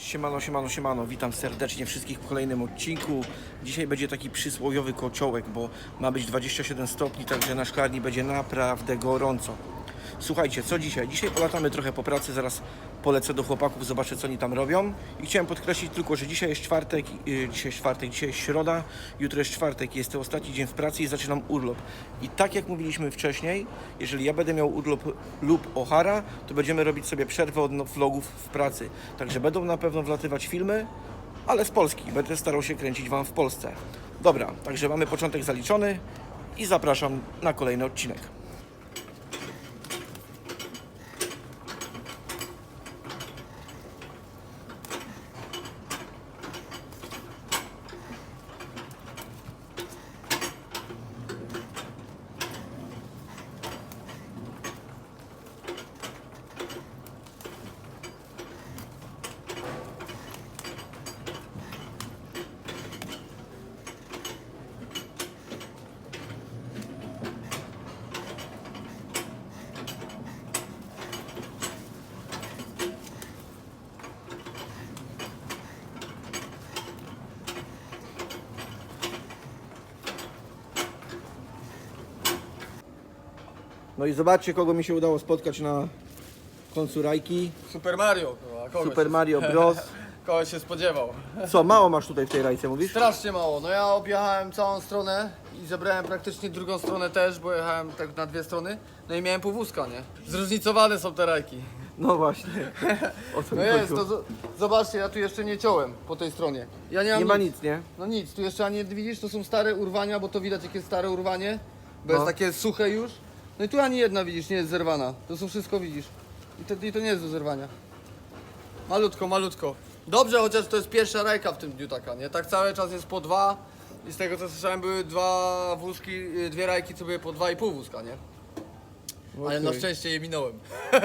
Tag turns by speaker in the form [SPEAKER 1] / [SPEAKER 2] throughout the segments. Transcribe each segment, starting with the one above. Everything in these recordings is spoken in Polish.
[SPEAKER 1] Siemano, siemano, siemano, witam serdecznie wszystkich w kolejnym odcinku. Dzisiaj będzie taki przysłowiowy kociołek, bo ma być 27 stopni, także na szklarni będzie naprawdę gorąco. Słuchajcie, co dzisiaj? Dzisiaj polatamy trochę po pracy, zaraz polecę do chłopaków, zobaczę co oni tam robią. I chciałem podkreślić tylko, że dzisiaj jest czwartek, dzisiaj jest środa, jutro jest czwartek, jest to ostatni dzień w pracy i zaczynam urlop. I tak jak mówiliśmy wcześniej, jeżeli ja będę miał urlop lub Ohara, to będziemy robić sobie przerwę od vlogów w pracy. Także będą na pewno wlatywać filmy, ale z Polski. Będę starał się kręcić Wam w Polsce. Dobra, także mamy początek zaliczony i zapraszam na kolejny odcinek. No i zobaczcie, kogo mi się udało spotkać na końcu rajki.
[SPEAKER 2] Super Mario, kurwa.
[SPEAKER 1] Super Mario Bros.
[SPEAKER 2] Kogoś się spodziewał.
[SPEAKER 1] Co, mało masz tutaj w tej rajce, mówisz?
[SPEAKER 2] Strasznie mało. No ja objechałem całą stronę i zebrałem praktycznie drugą stronę też, bo jechałem tak na dwie strony. No i miałem pół wózka, nie? Zróżnicowane są te rajki.
[SPEAKER 1] No właśnie. O co
[SPEAKER 2] No
[SPEAKER 1] mi
[SPEAKER 2] jest,
[SPEAKER 1] chodziło?
[SPEAKER 2] to zobaczcie, ja tu jeszcze nie ciąłem po tej stronie. Ja nie mam
[SPEAKER 1] Nie ma nic, nie?
[SPEAKER 2] No nic, tu jeszcze ani widzisz, to są stare urwania, bo to widać jakie stare urwanie, bo jest
[SPEAKER 1] No.
[SPEAKER 2] takie suche już. No i tu ani jedna widzisz, nie jest zerwana. To są wszystko widzisz. I to nie jest do zerwania. Malutko, malutko. Dobrze, chociaż to jest pierwsza rajka w tym dniu taka, nie? Tak cały czas jest po dwa i z tego co słyszałem były dwa wózki, dwie rajki co były po 2,5 wózka, nie? Ale na
[SPEAKER 1] Okej.
[SPEAKER 2] szczęście je minąłem.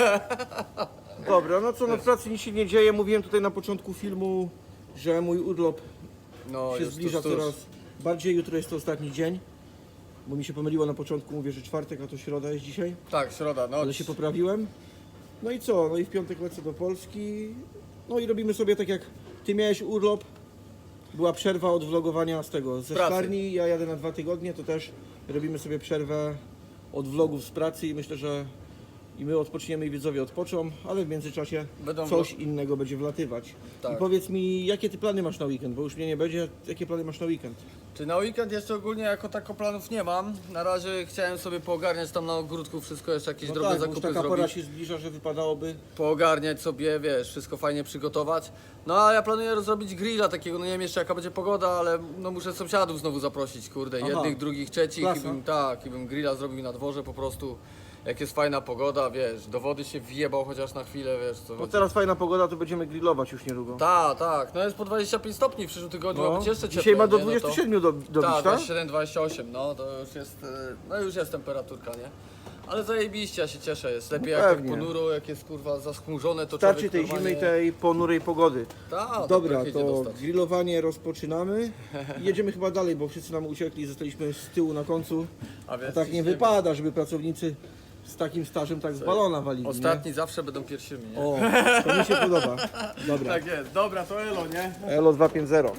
[SPEAKER 1] Dobra, no co, no w pracy nic się nie dzieje. Mówiłem tutaj na początku filmu, że mój urlop
[SPEAKER 2] No
[SPEAKER 1] się
[SPEAKER 2] już
[SPEAKER 1] zbliża
[SPEAKER 2] tuż.
[SPEAKER 1] coraz bardziej. Jutro jest to ostatni dzień, bo mi się pomyliło na początku, mówię, że czwartek, a to środa jest dzisiaj.
[SPEAKER 2] Tak, środa, no.
[SPEAKER 1] Ale się poprawiłem. No i co? No i w piątek lecę do Polski. No i robimy sobie tak jak ty miałeś urlop. Była przerwa od vlogowania z tego, ze
[SPEAKER 2] Pracy.
[SPEAKER 1] szklarni. Ja jadę na 2 tygodnie, to też robimy sobie przerwę od vlogów z pracy i myślę, że i my odpoczniemy i widzowie odpoczą, ale w międzyczasie
[SPEAKER 2] Będą
[SPEAKER 1] coś innego będzie wlatywać.
[SPEAKER 2] Tak.
[SPEAKER 1] I powiedz mi, jakie ty plany masz na weekend, bo już mnie nie będzie, jakie plany masz na weekend?
[SPEAKER 2] Czy na weekend jeszcze ogólnie jako tako planów nie mam. Na razie chciałem sobie poogarniać tam na ogródku wszystko, jeszcze jakieś
[SPEAKER 1] No
[SPEAKER 2] drobne
[SPEAKER 1] tak, bo już
[SPEAKER 2] zakupy
[SPEAKER 1] taka pora
[SPEAKER 2] zrobić.
[SPEAKER 1] się zbliża, że wypadałoby.
[SPEAKER 2] Poogarniać sobie, wiesz, wszystko fajnie przygotować. No a ja planuję zrobić grilla takiego, no nie wiem jeszcze jaka będzie pogoda, ale no muszę sąsiadów znowu zaprosić, kurde,
[SPEAKER 1] Aha.
[SPEAKER 2] jednych, drugich, trzecich
[SPEAKER 1] Klasa.
[SPEAKER 2] i bym grilla zrobił na dworze po prostu. Jak jest fajna pogoda, wiesz, do wody się wjebał chociaż na chwilę, wiesz co
[SPEAKER 1] No
[SPEAKER 2] chodzi.
[SPEAKER 1] teraz fajna pogoda, to będziemy grillować już niedługo.
[SPEAKER 2] Tak, no jest po 25 stopni w przyszłym tygodniu, ma być jeszcze cieplej.
[SPEAKER 1] Dzisiaj ma do
[SPEAKER 2] nie? No to-
[SPEAKER 1] 27 dobić,
[SPEAKER 2] Tak,
[SPEAKER 1] tak?
[SPEAKER 2] 27-28, no to już jest, no już jest temperaturka, nie? Ale zajebiście, ja się cieszę, jest lepiej
[SPEAKER 1] No
[SPEAKER 2] jak tak
[SPEAKER 1] pewnie.
[SPEAKER 2] ponuro, jak jest kurwa zaschmurzone, to
[SPEAKER 1] Starczy
[SPEAKER 2] człowiek
[SPEAKER 1] tej zimy
[SPEAKER 2] normalnie...
[SPEAKER 1] i tej ponurej pogody.
[SPEAKER 2] Ta,
[SPEAKER 1] Dobra,
[SPEAKER 2] tak idzie
[SPEAKER 1] to
[SPEAKER 2] dostać.
[SPEAKER 1] grillowanie rozpoczynamy i jedziemy chyba dalej, bo wszyscy nam uciekli, zostaliśmy z tyłu na końcu.
[SPEAKER 2] A
[SPEAKER 1] A
[SPEAKER 2] więc
[SPEAKER 1] tak nie
[SPEAKER 2] ciśniemy.
[SPEAKER 1] wypada, żeby pracownicy z takim stażem tak z balona walili,
[SPEAKER 2] Ostatni zawsze będą pierwszymi, nie?
[SPEAKER 1] nie? O, to mi się podoba. Dobra,
[SPEAKER 2] Tak jest, dobra, to elo, nie?
[SPEAKER 1] Elo 250.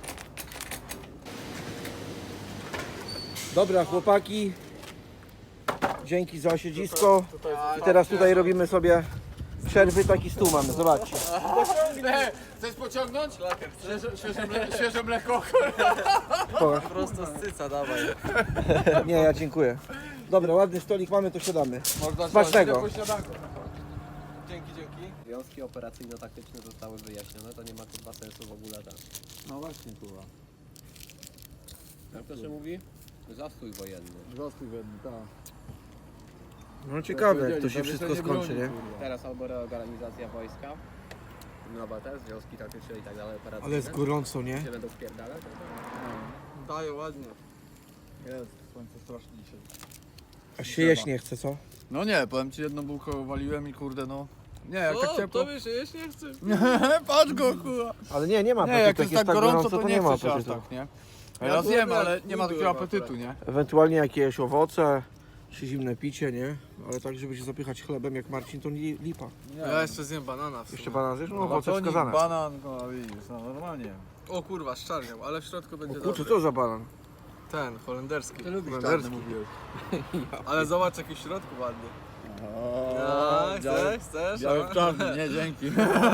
[SPEAKER 1] Dobra, chłopaki, dzięki za siedzisko. I teraz tutaj robimy sobie przerwy, taki stół mamy, zobaczcie.
[SPEAKER 2] Chcesz pociągnąć? Świeże mleko.
[SPEAKER 1] O,
[SPEAKER 3] Prosto z cyca, dawaj.
[SPEAKER 1] nie, ja dziękuję. Dobra, ładny stolik mamy, to siadamy.
[SPEAKER 2] Można
[SPEAKER 1] Smacznego.
[SPEAKER 2] po śniadanku. Dzięki.
[SPEAKER 3] Wiązki operacyjno-taktyczne zostały wyjaśnione, to nie ma chyba sensu w ogóle tak.
[SPEAKER 2] No właśnie, kurwa.
[SPEAKER 3] Jak to się mówi? Zastój wojenny.
[SPEAKER 2] Zastój wedny, tak.
[SPEAKER 1] No ciekawe, jak to się wszystko skończy, nie?
[SPEAKER 3] Teraz albo reorganizacja wojska, nowa też, związki taktyczne i tak dalej, operacyjne.
[SPEAKER 1] Ale jest gorąco, nie?
[SPEAKER 3] Się będą wpierdalać?
[SPEAKER 2] Daje ładnie.
[SPEAKER 4] Jest, słońce strasznie dzisiaj.
[SPEAKER 1] Aż się jeść nie chce, co?
[SPEAKER 4] No nie, powiem ci, jedną bułkę waliłem i kurde no... Nie, jak tak ciepło...
[SPEAKER 2] wiesz, jeść nie chcesz.
[SPEAKER 4] Patrz go, kurwa!
[SPEAKER 1] Ale nie ma
[SPEAKER 4] Nie,
[SPEAKER 1] apetytu,
[SPEAKER 4] jak jest tak gorąco, to nie
[SPEAKER 1] ma
[SPEAKER 4] chcesz aż
[SPEAKER 1] apetytu.
[SPEAKER 4] tak, nie? Ja zjem, ale nie ma takiego apetytu, nie?
[SPEAKER 1] Ewentualnie jakieś owoce, Czy zimne picie, nie? Ale tak, żeby się zapychać chlebem jak Marcin, to nie lipa.
[SPEAKER 4] Ja jeszcze zjem banana w sumie.
[SPEAKER 1] Jeszcze banan zjesz? No, owoce
[SPEAKER 4] Batonik,
[SPEAKER 1] wskazane.
[SPEAKER 4] banan, no widzisz, no normalnie.
[SPEAKER 3] O kurwa, szczarniał, ale w środku
[SPEAKER 1] O
[SPEAKER 3] będzie
[SPEAKER 1] kurczę,
[SPEAKER 3] dobry.
[SPEAKER 1] co za banan?
[SPEAKER 4] Ten, holenderski.
[SPEAKER 2] Ty lubisz
[SPEAKER 1] Holenderski.
[SPEAKER 2] czarny, mówiłeś.
[SPEAKER 4] Ale zobacz jaki w środku ładny.
[SPEAKER 3] No, chcesz?
[SPEAKER 4] Biały
[SPEAKER 3] A?
[SPEAKER 4] w czarny, nie dzięki.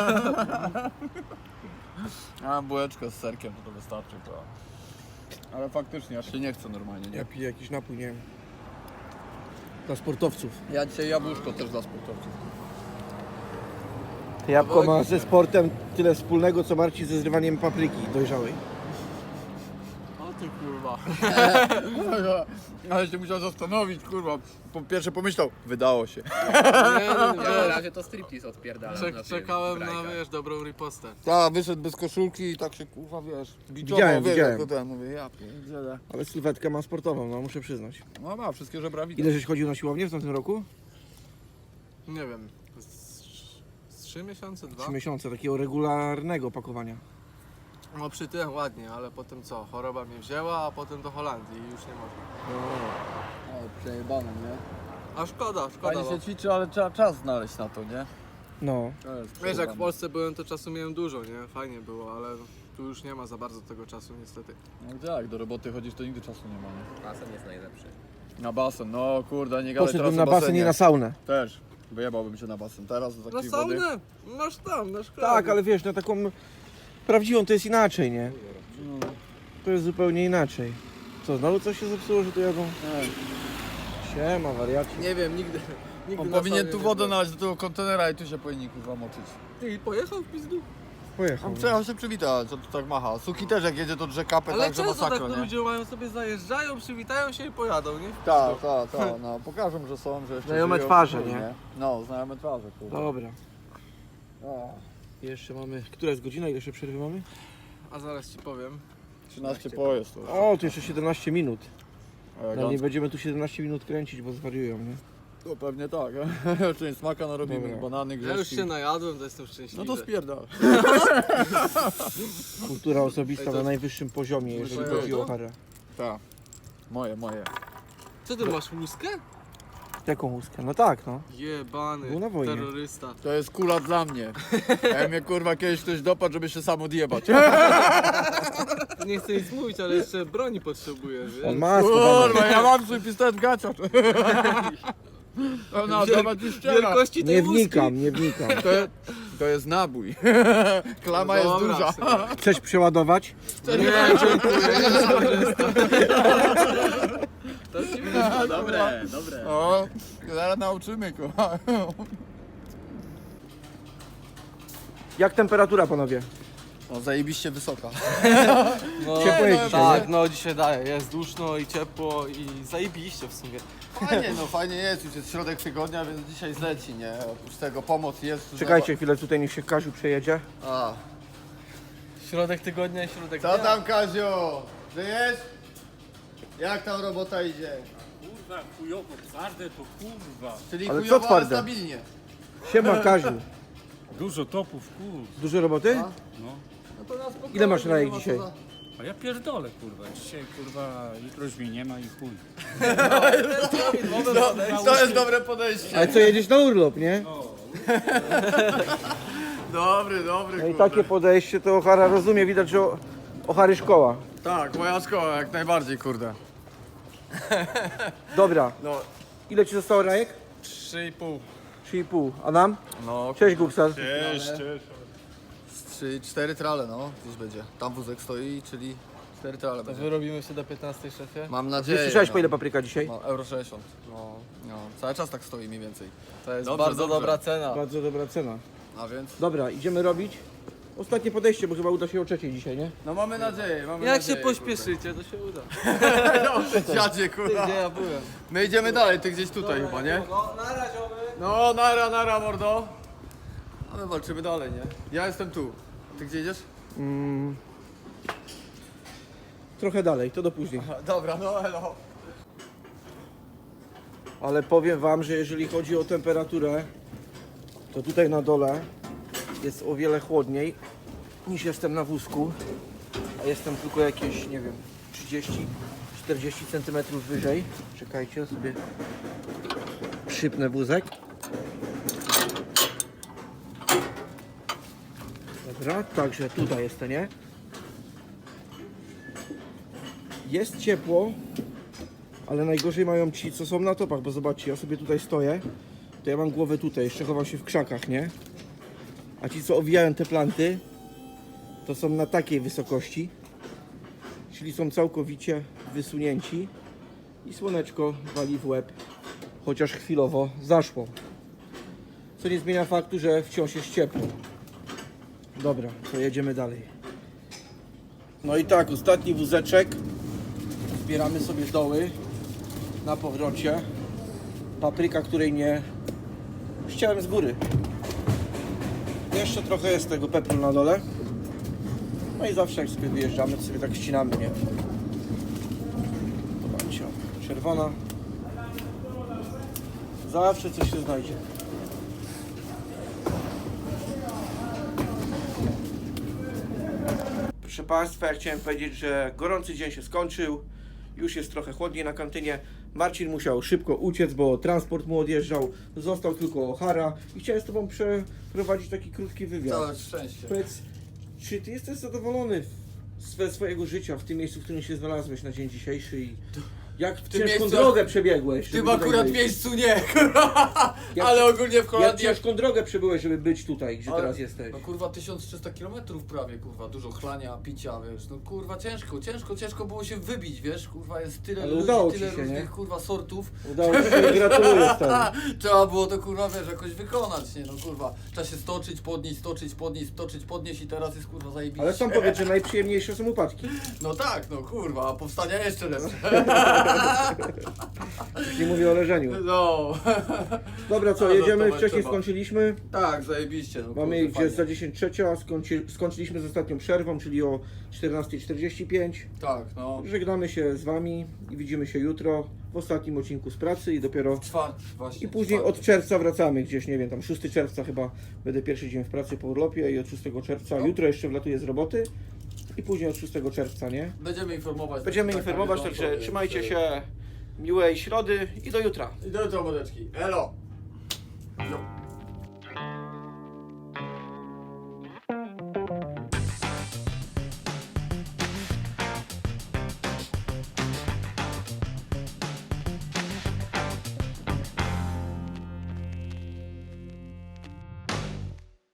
[SPEAKER 4] A bułeczkę z serkiem to wystarczy, to. Ale faktycznie, aż się nie chce normalnie, nie?
[SPEAKER 1] Ja piję jakiś napój, nie wiem. Dla sportowców.
[SPEAKER 4] Ja dzisiaj jabłuszko też dla sportowców.
[SPEAKER 1] Jabłko ma ze sportem tyle wspólnego, co Marcin ze zrywaniem papryki dojrzałej.
[SPEAKER 4] O ty kurwa. Ale się musiał zastanowić, kurwa. Po pierwsze pomyślał, wydało się.
[SPEAKER 3] Ja na razie to striptease odpierdalam. na tym
[SPEAKER 4] Czekałem na,
[SPEAKER 3] brajkach.
[SPEAKER 4] wiesz, dobrą ripostę.
[SPEAKER 2] Tak, wyszedł bez koszulki i tak się kurwa, wiesz,
[SPEAKER 1] Widziałem,
[SPEAKER 2] wiesz,
[SPEAKER 1] widziałem.
[SPEAKER 2] jako ten, mówię, ja pierdzielę.
[SPEAKER 1] Ale sylwetkę ma sportową, no muszę przyznać.
[SPEAKER 4] No ma, wszystkie żebra widać.
[SPEAKER 1] Ile żeś chodził na siłownię w tamtym roku?
[SPEAKER 4] Nie wiem, z 3 miesiące, 2?
[SPEAKER 1] 3 miesiące takiego regularnego pakowania.
[SPEAKER 4] No przy tym ładnie, ale potem co? Choroba mnie wzięła, a potem do Holandii i już nie można.
[SPEAKER 2] O, przejebane, nie?
[SPEAKER 4] A szkoda,
[SPEAKER 5] Fajnie
[SPEAKER 4] bo...
[SPEAKER 5] się ćwiczy, ale trzeba czas znaleźć na to, nie?
[SPEAKER 1] No.
[SPEAKER 5] To jest
[SPEAKER 4] Wiesz, jak w
[SPEAKER 5] przejebane.
[SPEAKER 4] Polsce byłem, to czasu miałem dużo, nie? Fajnie było, ale tu już nie ma za bardzo tego czasu niestety.
[SPEAKER 5] No jak do roboty chodzisz, to nigdy czasu nie ma, nie?
[SPEAKER 3] Basen jest najlepszy.
[SPEAKER 5] Na basen, no kurde, nie gadaj
[SPEAKER 1] Poszedłbym
[SPEAKER 5] teraz
[SPEAKER 1] na
[SPEAKER 5] o
[SPEAKER 1] basen,
[SPEAKER 5] basenie.
[SPEAKER 1] nie na saunę.
[SPEAKER 5] Też, wyjebałbym się na basen. Teraz do
[SPEAKER 4] Na
[SPEAKER 5] takiej wody.
[SPEAKER 4] saunę! Masz tam, na szkole.
[SPEAKER 1] Tak, ale wiesz, na taką prawdziwą to jest inaczej, nie? To jest zupełnie inaczej. Co, znowu coś się zepsuło, że tu jadą? Siema, wariaci.
[SPEAKER 4] Nie wiem, nigdy
[SPEAKER 5] On
[SPEAKER 4] na
[SPEAKER 5] powinien
[SPEAKER 4] saunie
[SPEAKER 5] tu
[SPEAKER 4] nie
[SPEAKER 5] wodę
[SPEAKER 4] byłem.
[SPEAKER 5] nalać do tego kontenera i tu się powinien kurwa moczyć.
[SPEAKER 4] Ty i pojechał w pizdu?
[SPEAKER 1] Pojechał.
[SPEAKER 5] On przejechał się przywitać, co tu tak macha. Suki też jak jedzie to drze kapę,
[SPEAKER 4] Ale
[SPEAKER 5] tak, że
[SPEAKER 4] często tak
[SPEAKER 5] masakra,
[SPEAKER 4] to
[SPEAKER 5] nie?
[SPEAKER 4] ludzie mają sobie zajeżdżają, przywitają się i pojadą, nie?
[SPEAKER 5] Tak, no pokażą, że są, że jeszcze
[SPEAKER 1] Znajome
[SPEAKER 5] żyją,
[SPEAKER 1] twarze,
[SPEAKER 5] chuj,
[SPEAKER 1] nie?
[SPEAKER 5] No, znajome twarze, kurwa.
[SPEAKER 1] Dobra. Jeszcze mamy... Która jest godzina? Ile jeszcze przerwy mamy?
[SPEAKER 4] A zaraz ci powiem.
[SPEAKER 5] 13 pojazd to już.
[SPEAKER 1] O, to jeszcze 17 minut. No nie
[SPEAKER 5] Elegancko.
[SPEAKER 1] będziemy tu 17 minut kręcić, bo zwariują, nie?
[SPEAKER 5] No pewnie tak, część smaka narobimy,
[SPEAKER 1] Dobra.
[SPEAKER 5] banany,
[SPEAKER 4] Ja
[SPEAKER 5] grzeszki.
[SPEAKER 4] już się najadłem, to jestem szczęśliwy.
[SPEAKER 5] No to spierdal.
[SPEAKER 1] Kultura osobista
[SPEAKER 4] Ej, to
[SPEAKER 1] na
[SPEAKER 4] jest-
[SPEAKER 1] najwyższym poziomie, jeżeli
[SPEAKER 4] Słyszałeś
[SPEAKER 1] chodzi o
[SPEAKER 4] to?
[SPEAKER 1] harę.
[SPEAKER 5] Tak. Moje.
[SPEAKER 4] Co ty masz łuskę?
[SPEAKER 1] Jaką łuskę? No tak, no.
[SPEAKER 4] Jebany,
[SPEAKER 1] Był na wojnie.
[SPEAKER 4] terrorysta.
[SPEAKER 5] To jest kula dla mnie. Ja mnie kurwa kiedyś ktoś dopadł, żeby się sam odjebać.
[SPEAKER 4] Nie chcę nic mówić, ale jeszcze broni potrzebujesz,
[SPEAKER 1] On
[SPEAKER 4] wiesz?
[SPEAKER 1] ma schowane.
[SPEAKER 5] Kurwa, ja mam swój pistolet w gaciach. No, dawać ci szczera.
[SPEAKER 4] Wielkości tej
[SPEAKER 1] Nie
[SPEAKER 4] łuski.
[SPEAKER 1] wnikam, nie wnikam.
[SPEAKER 5] To jest nabój. Klama jest
[SPEAKER 4] Dobra,
[SPEAKER 5] duża.
[SPEAKER 4] synek.
[SPEAKER 1] Chcesz przeładować?
[SPEAKER 4] Nie, dziękuję, jest korzysta. To ci wyszło.
[SPEAKER 3] Dobre.
[SPEAKER 5] O, zaraz nauczymy kurwa.
[SPEAKER 1] Jak temperatura, panowie?
[SPEAKER 5] O, zajebiście wysoka.
[SPEAKER 3] No,
[SPEAKER 1] Ciepło jest dzisiaj,
[SPEAKER 3] tak, no dzisiaj daje, jest duszno i ciepło i zajebiście w sumie.
[SPEAKER 5] Fajnie jest, już jest środek tygodnia, więc dzisiaj zleci, nie? Oprócz tego pomoc jest.
[SPEAKER 1] Czekajcie chwilę, tutaj niech się Kaziu przejedzie.
[SPEAKER 5] A.
[SPEAKER 3] Środek tygodnia i środek
[SPEAKER 5] Co tam Kaziu? Żyjesz? Jak tam robota idzie?
[SPEAKER 6] Kurwa, chujowo, twarde to kurwa.
[SPEAKER 5] Czyli
[SPEAKER 1] Ale co
[SPEAKER 5] chujowo, ale
[SPEAKER 1] twarde?
[SPEAKER 5] stabilnie.
[SPEAKER 1] Siema Kaziu.
[SPEAKER 6] Dużo topów, kur.
[SPEAKER 1] Dużo roboty?
[SPEAKER 6] No.
[SPEAKER 5] No to na spokojnie,
[SPEAKER 1] Ile masz rajek
[SPEAKER 5] nie ma co
[SPEAKER 1] dzisiaj?
[SPEAKER 5] za-
[SPEAKER 6] A ja pierdolę, kurwa. Dzisiaj, kurwa, jutro już mnie nie ma i chuj.
[SPEAKER 5] To jest dobre podejście.
[SPEAKER 1] Ale co, jedziesz na urlop, nie?
[SPEAKER 5] Dobry,
[SPEAKER 1] No i takie podejście to Ochara rozumie, widać, że Ochary szkoła.
[SPEAKER 5] Tak, moja szkoła jak najbardziej, kurde.
[SPEAKER 1] Dobra,
[SPEAKER 5] No,
[SPEAKER 1] ile ci zostało rajek?
[SPEAKER 5] 3,5.
[SPEAKER 1] 3,5. A nam?
[SPEAKER 5] No,
[SPEAKER 1] Cześć Gubsar.
[SPEAKER 6] Cześć.
[SPEAKER 5] 4 trale, no, gdzieś będzie. Tam wózek stoi, czyli 4 trale
[SPEAKER 4] To
[SPEAKER 5] będzie.
[SPEAKER 4] wyrobimy się do 15, szefie?
[SPEAKER 5] Mam
[SPEAKER 1] Nie
[SPEAKER 5] nadzieję.
[SPEAKER 1] słyszałeś, po ile
[SPEAKER 5] no.
[SPEAKER 1] papryka dzisiaj?
[SPEAKER 5] No, euro 60. No, cały czas tak stoi mniej więcej.
[SPEAKER 4] To jest
[SPEAKER 5] Dobrze,
[SPEAKER 4] bardzo
[SPEAKER 5] dobrze.
[SPEAKER 4] dobra cena.
[SPEAKER 1] Bardzo dobra cena.
[SPEAKER 5] A więc?
[SPEAKER 1] Dobra, idziemy robić. Ostatnie podejście, bo chyba uda się o trzeciej dzisiaj, nie?
[SPEAKER 5] No mamy nadzieję, mamy
[SPEAKER 4] Jak się
[SPEAKER 5] nadzieję.
[SPEAKER 4] pośpieszycie, to się uda.
[SPEAKER 5] Kurde. Dziadzie, kurwa.
[SPEAKER 4] Gdzie ja byłem?
[SPEAKER 5] My idziemy dalej, ty gdzieś tutaj chyba, nie?
[SPEAKER 4] No, na razie.
[SPEAKER 5] No, nara, mordo. A my walczymy dalej, nie? Ja jestem tu. Ty gdzie idziesz?
[SPEAKER 1] Trochę dalej, to do później.
[SPEAKER 5] Dobra, no elo.
[SPEAKER 1] Ale powiem wam, że jeżeli chodzi o temperaturę, to tutaj na dole jest o wiele chłodniej niż jestem na wózku. A jestem tylko jakieś, nie wiem, 40 cm wyżej. Czekajcie, sobie przypnę wózek. Dobra, także tutaj jest to, nie? Jest ciepło, ale najgorzej mają ci, co są na topach, bo zobaczcie, ja sobie tutaj stoję, to ja mam głowę tutaj, jeszcze chowam się w krzakach, nie? A ci, co owijają te planty, to są na takiej wysokości, czyli są całkowicie wysunięci i słoneczko wali w łeb, chociaż chwilowo zaszło. Co nie zmienia faktu, że wciąż jest ciepło. Dobra, to jedziemy dalej. No i tak, ostatni wózeczek. Zbieramy sobie doły na powrocie. Papryka, której nie ściąłem z góry. Jeszcze trochę jest tego pepru na dole. No i zawsze jak sobie wyjeżdżamy, to sobie tak ścinamy, nie? Zobaczcie, czerwona. Zawsze coś się znajdzie. Proszę Państwa, ja chciałem powiedzieć, że gorący dzień się skończył. Już jest trochę chłodniej na kantynie. Marcin musiał szybko uciec, bo transport mu odjeżdżał. Został tylko O'Hara i chciałem z Tobą przeprowadzić taki krótki wywiad.
[SPEAKER 2] Całe szczęście.
[SPEAKER 1] Powiedz, czy Ty jesteś zadowolony ze swojego życia w tym miejscu, w którym się znalazłeś na dzień dzisiejszy i jak
[SPEAKER 2] tym
[SPEAKER 1] ciężką
[SPEAKER 2] miejscu-
[SPEAKER 1] drogę przebiegłeś?
[SPEAKER 2] W
[SPEAKER 1] żeby
[SPEAKER 2] tym
[SPEAKER 1] tutaj
[SPEAKER 2] akurat
[SPEAKER 1] być?
[SPEAKER 2] miejscu nie,
[SPEAKER 1] Jak-
[SPEAKER 2] ale ogólnie w
[SPEAKER 1] Jak
[SPEAKER 2] Holandii...
[SPEAKER 1] ciężką drogę przebyłeś, żeby być tutaj, gdzie
[SPEAKER 2] Ale-
[SPEAKER 1] teraz jesteś?
[SPEAKER 2] No kurwa 1300 km prawie, kurwa, dużo chlania, picia, wiesz, no kurwa ciężko było się wybić, wiesz, kurwa jest tyle
[SPEAKER 1] Ale
[SPEAKER 2] ludzi,
[SPEAKER 1] udało ci
[SPEAKER 2] tyle
[SPEAKER 1] się,
[SPEAKER 2] różnych
[SPEAKER 1] nie?
[SPEAKER 2] kurwa sortów.
[SPEAKER 1] Udało Ci się, gratuluję stary.
[SPEAKER 2] Trzeba było to kurwa, wiesz, jakoś wykonać, nie no kurwa, trzeba się stoczyć, podnieść i teraz jest kurwa zajebiście.
[SPEAKER 1] Ale sam powiedz, że najprzyjemniejsze są upadki.
[SPEAKER 2] No tak, no kurwa, a powstania jeszcze lepsze.
[SPEAKER 1] Już nie mówię o leżeniu.
[SPEAKER 2] No.
[SPEAKER 1] Dobra, co,
[SPEAKER 2] Ale
[SPEAKER 1] jedziemy,
[SPEAKER 2] notować
[SPEAKER 1] wcześniej
[SPEAKER 2] trzeba.
[SPEAKER 1] skończyliśmy.
[SPEAKER 2] Tak, zajebiście, no
[SPEAKER 1] Mamy
[SPEAKER 2] kurde,
[SPEAKER 1] gdzieś
[SPEAKER 2] fajnie.
[SPEAKER 1] za 10:03, a skończyliśmy z ostatnią przerwą, czyli o 14:45.
[SPEAKER 2] Tak, no.
[SPEAKER 1] Żegnamy się z Wami i widzimy się jutro w ostatnim odcinku z pracy i dopiero...
[SPEAKER 2] Czwarty, właśnie.
[SPEAKER 1] I później
[SPEAKER 2] czwarty.
[SPEAKER 1] od czerwca wracamy gdzieś, nie wiem, tam 6 czerwca chyba będę pierwszy dzień w pracy po urlopie i od 6 czerwca,
[SPEAKER 2] No.
[SPEAKER 1] jutro jeszcze wlatuję z roboty i później od 6 czerwca, nie?
[SPEAKER 2] Będziemy informować.
[SPEAKER 1] Będziemy
[SPEAKER 2] tak,
[SPEAKER 1] informować,
[SPEAKER 2] na bieżąco,
[SPEAKER 1] także
[SPEAKER 2] więc,
[SPEAKER 1] trzymajcie się, miłej środy i do jutra.
[SPEAKER 2] I do jutra, mordeczki. Elo! Jo.